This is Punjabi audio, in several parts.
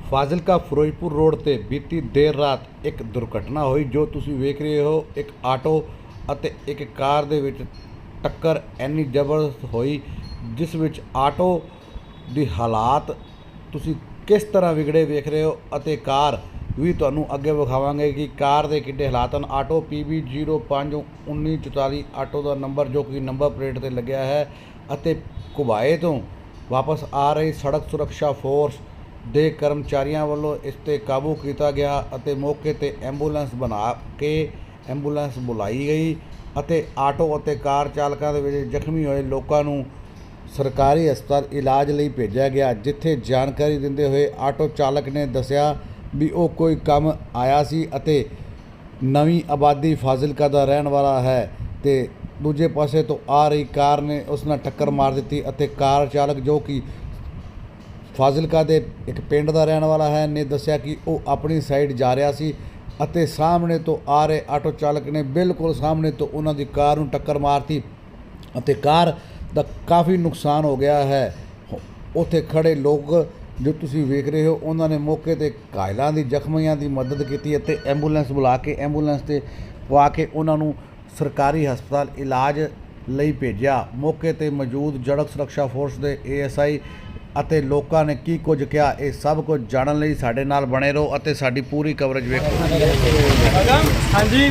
ਫਾਜ਼ਿਲਕਾ ਫਿਰੋਜ਼ਪੁਰ ਰੋਡ ਤੇ ਬੀਤੀ ਦੇਰ ਰਾਤ ਇੱਕ ਦੁਰਘਟਨਾ ਹੋਈ ਜੋ ਤੁਸੀਂ ਵੇਖ ਰਹੇ ਹੋ। ਇੱਕ ਆਟੋ ਅਤੇ ਇੱਕ ਕਾਰ ਦੇ ਵਿੱਚ ਟੱਕਰ ਇੰਨੀ ਜ਼ਬਰਦਸਤ ਹੋਈ ਜਿਸ ਵਿੱਚ ਆਟੋ ਦੀ ਹਾਲਾਤ ਤੁਸੀਂ ਕਿਸ ਤਰ੍ਹਾਂ ਵਿਗੜੇ ਵੇਖ ਰਹੇ ਹੋ ਅਤੇ ਕਾਰ ਵੀ ਤੁਹਾਨੂੰ ਅੱਗੇ ਵਿਖਾਵਾਂਗੇ ਕਿ ਕਾਰ ਦੇ ਕਿੱਡੇ ਹਾਲਾਤ ਹਨ। ਆਟੋ PB 051944 ਆਟੋ ਦਾ ਨੰਬਰ ਜੋ ਕਿ ਨੰਬਰ ਪਲੇਟ ਤੇ ਲੱਗਿਆ ਹੈ ਅਤੇ ਘੁਬਾਏ ਤੋਂ ਵਾਪਸ ਆ ਰਹੀ ਸੜਕ ਸੁਰੱਖਿਆ ਫੋਰਸ ਦੇ ਕਰਮਚਾਰੀਆਂ ਵੱਲੋਂ ਇਸ 'ਤੇ ਕਾਬੂ ਕੀਤਾ ਗਿਆ ਅਤੇ ਮੌਕੇ 'ਤੇ ਐਂਬੂਲੈਂਸ ਬਣਾ ਕੇ ਐਂਬੂਲੈਂਸ ਬੁਲਾਈ ਗਈ ਅਤੇ ਆਟੋ ਅਤੇ ਕਾਰ ਚਾਲਕਾਂ ਦੇ ਵਿੱਚ ਜ਼ਖਮੀ ਹੋਏ ਲੋਕਾਂ ਨੂੰ ਸਰਕਾਰੀ ਹਸਪਤਾਲ ਇਲਾਜ ਲਈ ਭੇਜਿਆ ਗਿਆ, ਜਿੱਥੇ ਜਾਣਕਾਰੀ ਦਿੰਦੇ ਹੋਏ ਆਟੋ ਚਾਲਕ ਨੇ ਦੱਸਿਆ ਵੀ ਉਹ ਕੋਈ ਕੰਮ ਆਇਆ ਸੀ ਅਤੇ ਨਵੀਂ ਆਬਾਦੀ ਫਾਜ਼ਿਲਕਾ ਦਾ ਰਹਿਣ ਵਾਲਾ ਹੈ ਤੇ ਦੂਜੇ ਪਾਸੇ ਤੋਂ ਆ ਰਹੀ ਕਾਰ ਨੇ ਉਸ ਨਾਲ ਟੱਕਰ ਮਾਰ ਦਿੱਤੀ ਅਤੇ ਕਾਰ ਚਾਲਕ ਜੋ ਕਿ ਫਾਜ਼ਿਲਕਾ ਦੇ ਇੱਕ ਪਿੰਡ ਦਾ ਰਹਿਣ ਵਾਲਾ ਹੈ ਨੇ ਦੱਸਿਆ ਕਿ ਉਹ ਆਪਣੀ ਸਾਈਡ ਜਾ ਰਿਹਾ ਸੀ ਅਤੇ ਸਾਹਮਣੇ ਤੋਂ ਆ ਰਹੇ ਆਟੋ ਚਾਲਕ ਨੇ ਬਿਲਕੁਲ ਸਾਹਮਣੇ ਤੋਂ ਉਹਨਾਂ ਦੀ ਕਾਰ ਨੂੰ ਟੱਕਰ ਮਾਰਤੀ ਅਤੇ ਕਾਰ ਦਾ ਕਾਫੀ ਨੁਕਸਾਨ ਹੋ ਗਿਆ ਹੈ। ਉੱਥੇ ਖੜੇ ਲੋਕ ਜੋ ਤੁਸੀਂ ਵੇਖ ਰਹੇ ਹੋ ਉਹਨਾਂ ਨੇ ਮੌਕੇ 'ਤੇ ਘਾਇਲਾਂ ਦੀ ਜ਼ਖਮੀਆਂ ਦੀ ਮਦਦ ਕੀਤੀ ਅਤੇ ਐਂਬੂਲੈਂਸ ਬੁਲਾ ਕੇ ਐਂਬੂਲੈਂਸ 'ਤੇ ਪਵਾ ਕੇ ਉਹਨਾਂ ਨੂੰ ਸਰਕਾਰੀ ਹਸਪਤਾਲ ਇਲਾਜ ਲਈ ਭੇਜਿਆ। ਮੌਕੇ 'ਤੇ ਮੌਜੂਦ ਸੜਕ ਸੁਰੱਖਿਆ ਫੋਰਸ ਦੇ ASI ਅਤੇ ਲੋਕਾਂ ਨੇ ਕੀ ਕੁਝ ਕਿਹਾ, ਇਹ ਸਭ ਕੁਝ ਜਾਣਨ ਲਈ ਸਾਡੇ ਨਾਲ ਬਣੇ ਰਹੋ ਅਤੇ ਸਾਡੀ ਪੂਰੀ ਕਵਰੇਜ ਵੇਖੋ। ਹਾਂਜੀ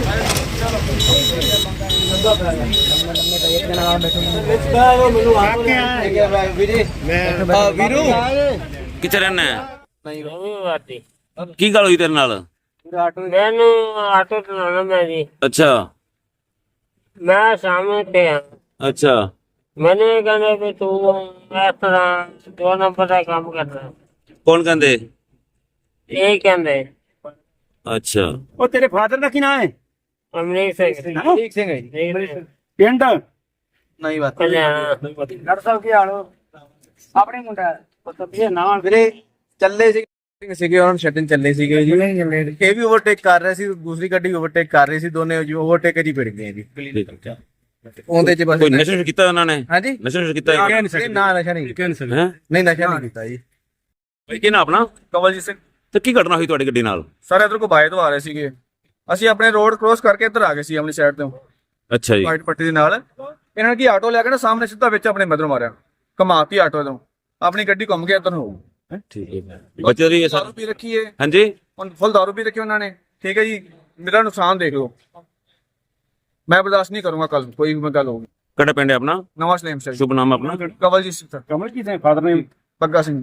ਵੀਰੂ ਕਿੱਥੇ ਰਹਿਣਾ? ਕੀ ਗੱਲ ਹੋਈ ਤੇਰੇ ਨਾਲ? ਮੈਨੂੰ ਆਟੋ ਚਲਾਉਣਾ ਮੈਂ ਜੀ। ਅੱਛਾ ਮੈਂ ਸਾਹਮਣੇ ਤੇ ਆ। ਅੱਛਾ ਮੈਨੂੰ ਇਹ ਕਹਿੰਦੇ ਵੀ ਤੂੰ ਇਸ ਤਰ੍ਹਾਂ 2 ਨੰਬਰ ਦਾ ਕੰਮ ਕਰਦਾ। ਕੌਣ ਕਹਿੰਦੇ? ਇਹ ਕਹਿੰਦੇ ਅੱਛਾ ਉਹ ਤੇਰੇ ਫਾਦਰ ਦਾ ਕੀ ਨਾਮ ਹੈ? ਅਮਰੀਕ ਸਿੰਘ ਠੀਕ ਸਿੰਘ ਹੈ ਜੀ। ਪਿੰਡ ਨਹੀਂ ਬਾਤ ਡਾਕਟਰ ਸਾਹਿਬ ਕੀ ਹਾਲ ਹੋ? ਆਪਣੇ ਮੁੰਡਾ ਇਹ ਨਾ ਵੀਰੇ ਚੱਲੇ ਸੀਗੇ ਉਹਨਾਂ ਨੂੰ ਛੱਡਣ ਚੱਲੇ ਸੀਗੇ ਜੀ। ਇਹ ਵੀ ਓਵਰਟੇਕ ਕਰ ਰਿਹਾ ਸੀ, ਦੂਸਰੀ ਗੱਡੀ ਓਵਰਟੇਕ ਕਰ ਰਹੀ ਸੀ, ਦੋਨੇ ਜੀ ਓਵਰਟੇਕ ਜੀ ਭਿੜ ਗਏ ਜੀ। ਉਹਦੇ ਚ ਬਸ ਕੋਈ ਨਸ਼ਾ ਕੀਤਾ ਉਹਨਾਂ ਨੇ? ਹਾਂਜੀ ਨਸ਼ਾ ਕੀਤਾ ਨਾ ਨਸ਼ਾ ਨਹੀਂ ਹੈ? ਨਹੀਂ ਨਸ਼ਾ ਨਹੀਂ ਕੀਤਾ ਜੀ। ਭਾਈ ਕੀ ਨਾ ਆਪਣਾ? ਕਵਲਜੀਤ ਸਿੰਘ। ਤੇ ਕੀ ਘਟਨਾ ਹੋਈ ਤੁਹਾਡੀ ਗੱਡੀ ਨਾਲ? ਸਰ ਇਧਰ ਕੋ ਬਾਏ ਤੋਂ ਆ ਰਹੇ ਸੀਗੇ, ਅਸੀਂ ਆਪਣੇ ਰੋਡ ਕ੍ਰੋਸ ਕਰਕੇ ਇੱਧਰ ਆ ਗਏ ਸੀ ਆਪਣੀ ਸਾਈਡ ਤੋਂ ਅੱਛਾ ਜੀ। ਵਾਈਟ ਪੱਟੀ ਦੇ ਨਾਲ ਇਹਨਾਂ ਨੇ ਕੀ ਆਟੋ ਲੈ ਕੇ ਨਾ ਸਾਹਮਣੇ ਸਿੱਧਾ ਵਿੱਚ ਆਪਣੇ ਮਗਰੋਂ ਮਾਰਿਆ, ਘਮਾਤੀ ਆਟੋ ਤੋਂ, ਆਪਣੀ ਗੱਡੀ ਘੁੰਮ ਕੇ ਇੱਧਰ ਨੂੰ ਹੋ ਗਈ। ਠੀਕ ਹੈ ਬੱਚੇ ਦੀ ਦਾਰੂ ਪੀ ਰੱਖੀ ਹੈ। ਹਾਂਜੀ ਹੁਣ ਫੁੱਲ ਦਾਰੂ ਪੀ ਰੱਖੀ ਉਹਨਾਂ ਨੇ। ਠੀਕ ਹੈ ਜੀ, ਮੇਰਾ ਨੁਕਸਾਨ ਦੇਖ ਲਓ, ਮੈਂ ਬਰਦਾਸ਼ਤ ਨਹੀਂ ਕਰੂੰਗਾ ਕੱਲ ਕੋਈ ਵੀ ਗੱਲ ਹੋਊਗੀ। ਕਿਹੜਾ ਪਿੰਡ ਹੈ ਆਪਣਾ? ਨਵਾਂ ਸਲੇਮ ਸਰ। ਸ਼ੁਭ ਨਾਮ ਆਪਣਾ? ਕਵਲਜੀਤ ਸਿੰਘ। ਕਮਲ ਕੀ ਫਾਦਰ ਨੇ? ਬੱਗਾ ਸਿੰਘ।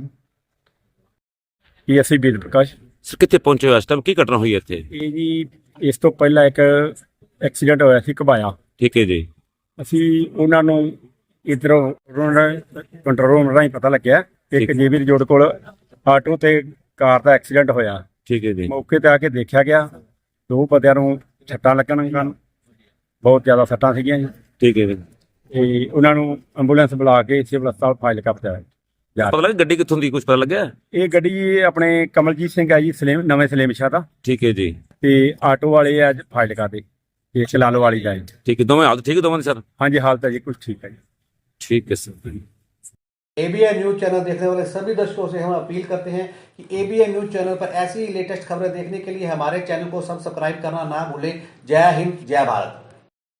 PSI ਬੀਰ ਪ੍ਰਕਾਸ਼। ਸਰ ਕਿੱਥੇ ਪਹੁੰਚੇ ਹੋ ਇਸ ਟਾਈਮ? ਕੀ ਘਟਨਾ ਹੋਈ ਇੱਥੇ? ਇਹ ਜੀ ਇਸ ਤੋਂ ਪਹਿਲਾਂ ਇੱਕ ਐਕਸੀਡੈਂਟ ਹੋਇਆ ਸੀ ਘਬਾਇਆ। ਠੀਕ ਹੈ ਜੀ। ਅਸੀਂ ਉਹਨਾਂ ਨੂੰ ਇੱਧਰੋਂ ਕੰਟਰੋਲ ਰੂਮ ਰਾਹੀਂ ਪਤਾ ਲੱਗਿਆ ਕਿ ਇੱਕ JB ਰੋਡ ਕੋਲ ਆਟੋ ਤੇ ਕਾਰ ਦਾ ਐਕਸੀਡੈਂਟ ਹੋਇਆ। ਠੀਕ ਹੈ ਜੀ। ਮੌਕੇ ਤੇ ਆ ਕੇ ਦੇਖਿਆ ਗਿਆ, 2 ਬੰਦਿਆਂ ਨੂੰ ਸੱਟਾਂ ਲੱਗਣ ਕਾਰਨ ਬਹੁਤ ਜ਼ਿਆਦਾ ਸੱਟਾਂ ਸੀਗੀਆਂ ਜੀ। ਠੀਕ ਹੈ ਜੀ। ਤੇ ਉਹਨਾਂ ਨੂੰ ਐਂਬੂਲੈਂਸ ਬੁਲਾ ਕੇ ਸਿਵਲ ਹਸਪਤਾਲ ਫਾਜ਼ਿਲਕਾ ਪਹੁੰਚਾਇਆ। ਪਤਾ ਲੱਗਾ ਗੱਡੀ ਕਿੱਥੋਂ ਦੀ? ਕੁਝ ਪਤਾ ਲੱਗਿਆ? ਇਹ ਗੱਡੀ ਆਪਣੇ ਕਮਲਜੀਤ ਸਿੰਘ ਹੈ ਜੀ, ਨਵੇਂ ਸਲੇਮ ਸ਼ਾਹ ਦਾ। ਠੀਕ ਹੈ ਜੀ। ਤੇ ਆਟੋ ਵਾਲੇ ਆ ਫਾਜ਼ਿਲਕਾ ਦੇ, ਇਹ ਚਲਾਲੋ ਵਾਲੀ ਦਾ। ठीक है, दोनों हालत ठीक है दोनों सर? हाँ जी हालत है जी कुछ ठीक है जी। ठीक है सर। ABN न्यूज़ चैनल देखने वाले सभी दर्शकों से हम अपील करते हैं कि ABN न्यूज़ चैनल पर ऐसी ही लेटेस्ट खबरें देखने के लिए हमारे चैनल को सब्सक्राइब करना ना भूलें। जय हिंद, जय भारत।